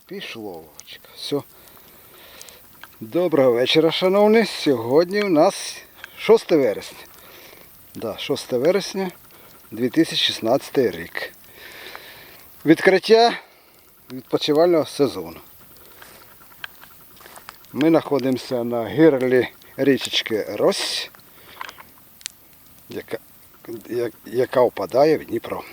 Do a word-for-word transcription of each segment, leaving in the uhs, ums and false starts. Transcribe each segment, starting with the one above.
Пішло, Вовчик. Все. Доброго вечора, шановні. Сьогодні у нас шосте вересня. Да, шосте вересня дві тисячі шістнадцятий рік. Відкриття відпочивального сезону. Ми знаходимося на гирлі річечки Рось, яка, яка впадає в Дніпро.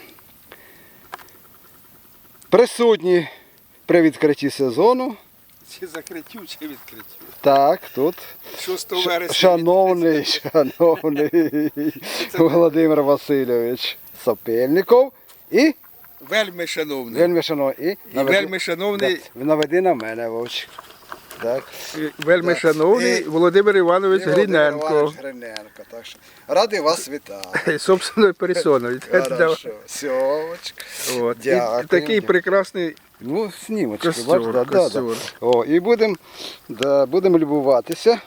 Присутні при відкритті сезону. Чи закриттю, чи відкриттю? Так, тут шостого вересня. Шановний, шановний Володимир Васильович Сапельников і Вельми шановний. вельми шановний. І І вельми шановний. Да, наведи на мене, Вовчик. Так. Вельми Так. шановний І- Володимир Іванович І Володимир Гриненко. Іванович Гриненко. Так що радий вас вітати. Собственною персоною. Хорошо. Сьомочка. От. І Дякую. такий прекрасний Ну, снімочки, костюр. бачите, да, да, да. костюр. О, і будемо да, будем любуватися.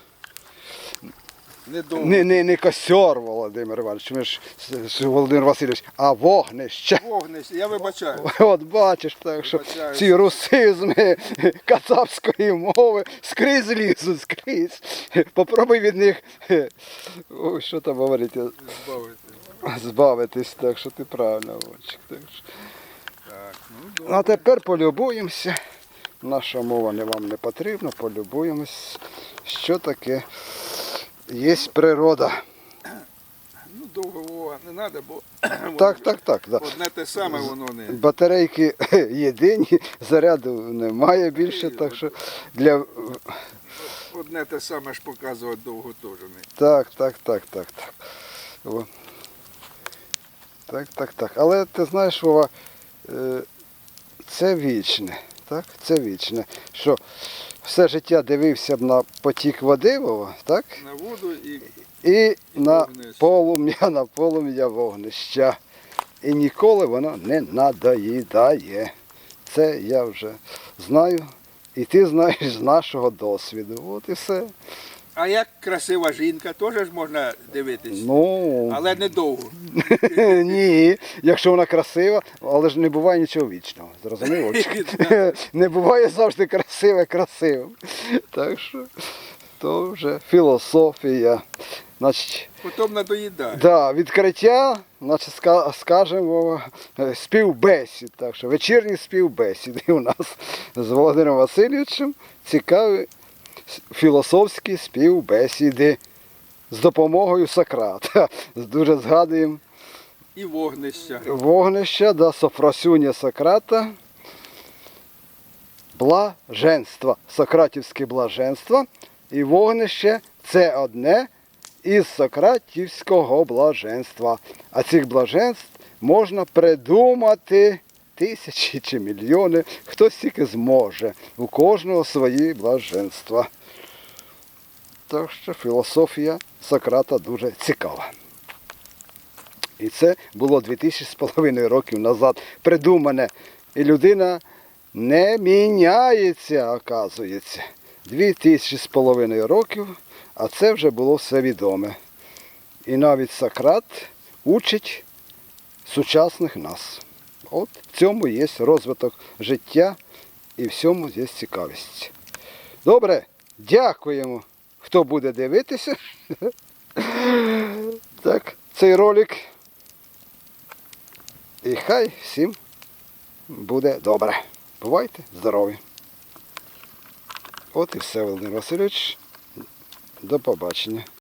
Недовго. Не, не, не костер, Володимир Іванович, ми ж, ж Володимир Васильович, а вогнище. Вогнище, я вибачаю. От бачиш, так що Вибачаюсь. ці русизми кацапської мови скрізь лізуть, скрізь. Попробуй від них, ой, що там говорити, Збавити. збавитись, так що ти правильно, Вовчик. Так що. Так, ну добре. А тепер полюбуємося. Наша мова не вам не потрібна, полюбуємось, що таке є природа. Ну довго Вова не треба, бо Так, так, так. Да. одне те саме воно не. Батарейки єдині, заряду немає більше, так що для... Одне те саме ж показувати довго теж не. Так, так, так, так, так. О. Так, так, так. Але ти знаєш, Вова, е, це вічне, так? Це вічне. Що все життя дивився б на потік води, Вова, так? На воду і І на вогнище. полум'я, на полум'я вогнища. І ніколи воно не надоїдає. Це я вже знаю. І ти знаєш з нашого досвіду. От і все. А як красива жінка, теж ж можна дивитись, Ну, але недовго. ні, якщо вона красива, але ж не буває нічого вічного. Зрозумів, Вовчик? Не буває завжди красиве красивим. Так що то вже філософія. Значить, Потім надоїдає. да, відкриття, значить, ска- скажемо, е, співбесід. Так що вечірні співбесіди у нас з Володимиром Васильовичем цікаві с- філософські співбесіди з допомогою Сократа. Дуже згадуємо І вогнища. вогнища до Софросюня Сократа. Блаженство, сократівське блаженство і вогнище – це одне із сократівського блаженства. А цих блаженств можна придумати тисячі чи мільйони, хтось тільки зможе. У кожного свої блаженства. Так що філософія Сократа дуже цікава. І це було дві тисячі з половиною років назад придумане. І людина не міняється, оказується. Дві тисячі з половиною років, а це вже було все відоме. І навіть Сократ учить сучасних нас. От в цьому є розвиток життя і в цьому є цікавість. Добре, дякуємо, хто буде дивитися. Так, цей ролик. І хай всім буде добре. Бувайте здорові. От і все, Володимир Васильович. До побачення.